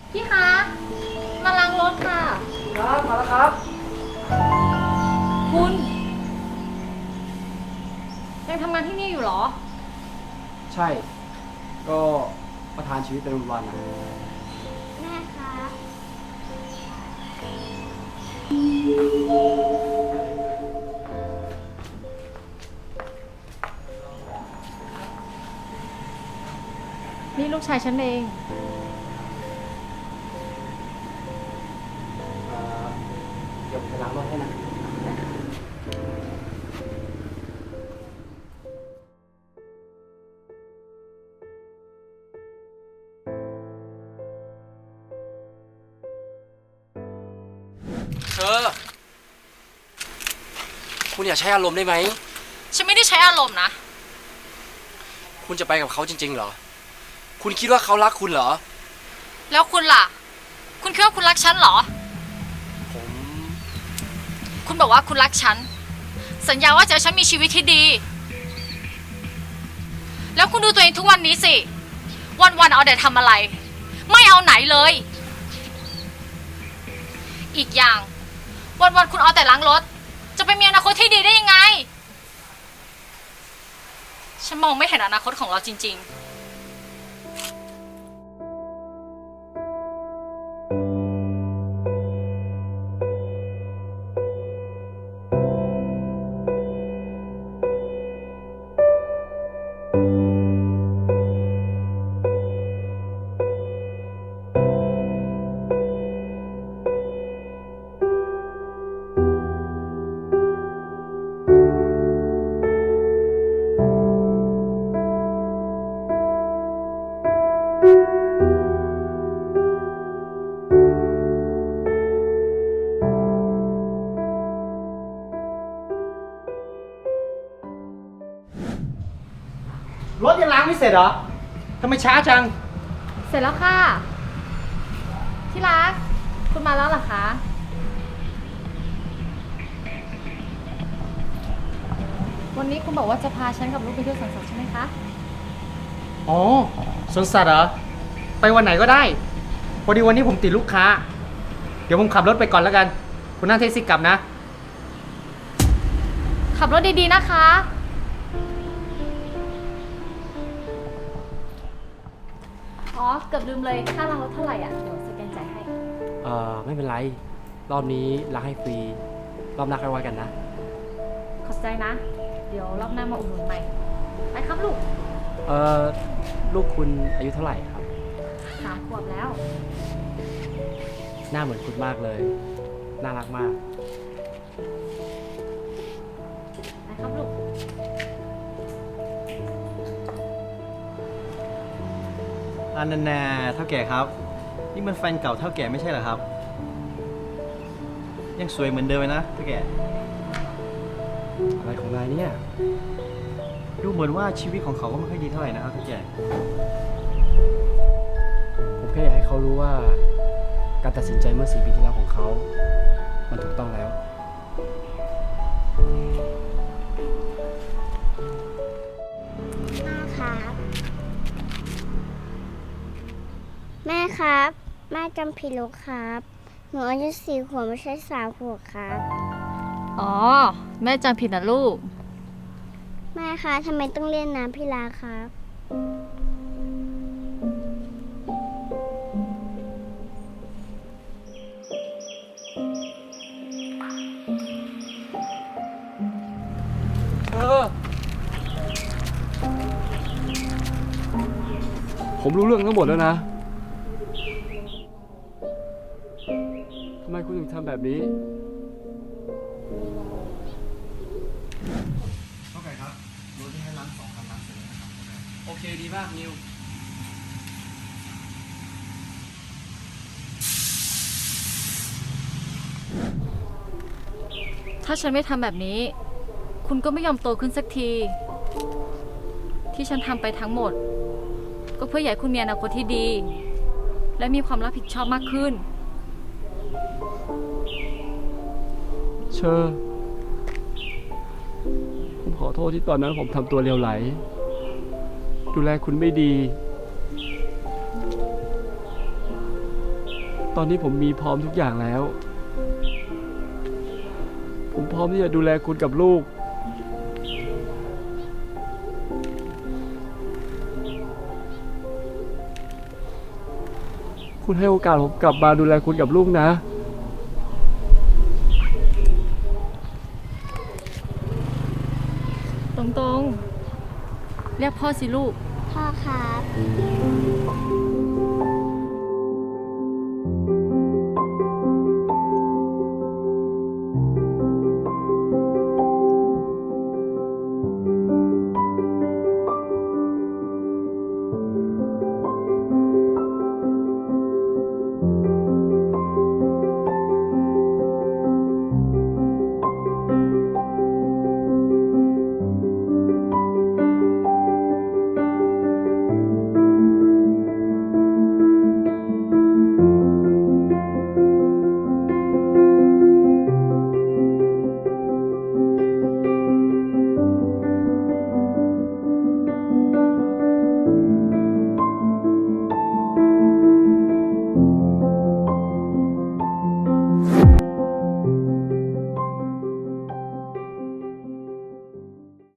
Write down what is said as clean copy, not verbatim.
พี่คะมาล้างรถค่ะครับมาแล้วครับคุณยังทำงานที่นี่อยู่เหรอใช่ ก็ประทานชีวิตเป็นวันๆนะแม่คะนี่ลูกชายฉันเองเดี๋ยวผมไปล้างรถให้นะ เธอ คุณอย่าใช้อารมณ์ได้ไหมฉันไม่ได้ใช้อารมณ์นะคุณจะไปกับเขาจริงๆเหรอ คุณคิดว่าเขารักคุณเหรอแล้วคุณล่ะ คุณคิดว่าคุณรักฉันเหรอผมคุณบอกว่าคุณรักฉัน สัญญาว่าจะให้ฉันมีชีวิตที่ดี แล้วคุณดูตัวเองทุกวันนี้สิ วันๆเอาแต่ทำอะไร ไม่เอาไหนเลย อีกอย่าง วันๆคุณเอาแต่ล้างรถ จะไปมีอนาคตที่ดีได้ยังไง ฉันมองไม่เห็นอนาคตของเราจริงๆรถยังล้างไม่เสร็จเหรอ ทำไมช้าจังเสร็จแล้วค่ะ ที่รัก คุณมาแล้วเหรอคะ วันนี้คุณบอกว่าจะพาฉันกับลูกไปเที่ยวสวนสัตว์ใช่ไหมคะอ๋อสวนสัตว์เหรอ ไปวันไหนก็ได้ พอดีวันนี้ผมติดลูกค้า เดี๋ยวผมขับรถไปก่อนแล้วกัน คุณนั่งแท็กซี่กลับนะขับรถดีๆนะคะ อ๋อ เกือบลืมเลย ค่าล้างรถเท่าไหร่อ่ะ เดี๋ยวสแกนจ่ายให้ไม่เป็นไร รอบนี้ล้างให้ฟรี รอบหน้าค่อยว่ากันนะขอบใจนะ เดี๋ยวรอบหน้ามาอุดหนุนใหม่ ไปครับลูกลูกคุณอายุเท่าไหร่ครับ 3 ขวบแล้วหน้าเหมือนคุณมากเลย น่ารักมากไปครับลูกอันนั้นแน่เท่าแก่ครับ นี่มันแฟนเก่าเท่าแก่ไม่ใช่เหรอครับ ยังสวยเหมือนเดิมเลยนะเท่าแก่อะไรของนายเนี่ยดูเหมือนว่าชีวิตของเขาก็ไม่ค่อยดีเท่าไหร่นะครับเท่าแก่ผมแค่อยากให้เขารู้ว่า การตัดสินใจเมื่อ4 ปีที่แล้วของเขา มันถูกต้องแล้วแม่ครับ แม่จำผิดแล้วครับ หนูอายุ4 ขวบไม่ใช่3 ขวบครับอ๋อ แม่จำผิดนะลูกแม่คะทำไมต้องเรียนน้ำพิลาครับผมรู้เรื่องทั้งหมดแล้วนะ ทำไมคุณถึงทำแบบนี้เท่าแก่ครับรถที่ให้ล้าง2 คันล้างเสร็จแล้วนะครับโอเคดีมากนิวถ้าฉันไม่ทำแบบนี้ คุณก็ไม่ยอมโตขึ้นสักที ที่ฉันทำไปทั้งหมด ก็เพื่ออยากให้คุณมีอนาคตที่ดี และมีความรับผิดชอบมากขึ้นเชอ ผมขอโทษที่ตอนนั้นผมทำตัวเลวไหล ดูแลคุณไม่ดีตอนนี้ผมมีพร้อมทุกอย่างแล้ว ผมพร้อมที่จะดูแลคุณกับลูก คุณให้โอกาสผมกลับมาดูแลคุณกับลูกนะตรงๆ เรียกพ่อสิลูกพ่อครับ